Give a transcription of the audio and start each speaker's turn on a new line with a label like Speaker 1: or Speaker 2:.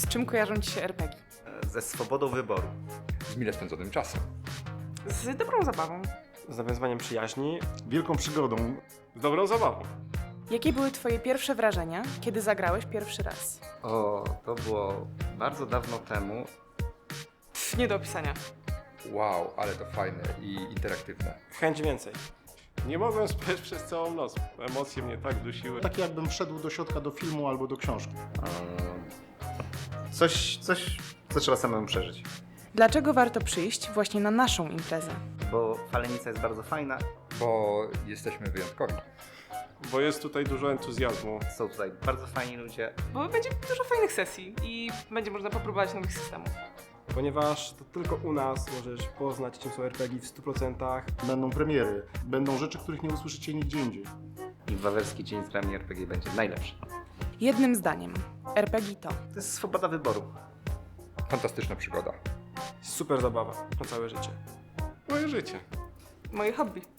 Speaker 1: Z czym kojarzą Ci się RPG?
Speaker 2: Ze swobodą wyboru.
Speaker 3: Z mile spędzonym czasem.
Speaker 1: Z dobrą zabawą.
Speaker 4: Z nawiązywaniem przyjaźni,
Speaker 5: Wielką przygodą.
Speaker 4: z dobrą zabawą.
Speaker 1: Jakie były Twoje pierwsze wrażenia, kiedy zagrałeś pierwszy raz?
Speaker 2: O, to było bardzo dawno temu.
Speaker 1: Nie do opisania.
Speaker 3: Wow, ale to fajne i interaktywne.
Speaker 4: Chęć więcej. Nie mogłem spać przez całą noc. Emocje mnie tak dusiły.
Speaker 5: Tak jakbym wszedł do środka do filmu albo do książki.
Speaker 2: Coś, co trzeba samemu przeżyć.
Speaker 1: Dlaczego warto przyjść właśnie na naszą imprezę?
Speaker 2: Bo Falenica jest bardzo fajna.
Speaker 3: Bo jesteśmy wyjątkowi.
Speaker 4: Bo jest tutaj dużo entuzjazmu.
Speaker 2: Są tutaj bardzo fajni ludzie.
Speaker 1: Bo będzie dużo fajnych sesji i będzie można popróbować nowych systemów.
Speaker 4: Ponieważ to tylko u nas możesz poznać, czym są RPG w 100%.
Speaker 5: Będą premiery, będą rzeczy, których nie usłyszycie nigdzie indziej.
Speaker 2: I Wawerski Dzień z grami RPG będzie najlepszy.
Speaker 1: Jednym zdaniem, RPG to
Speaker 2: To jest swoboda wyboru.
Speaker 3: Fantastyczna przygoda.
Speaker 4: Super zabawa na całe życie. Moje życie.
Speaker 1: moje hobby.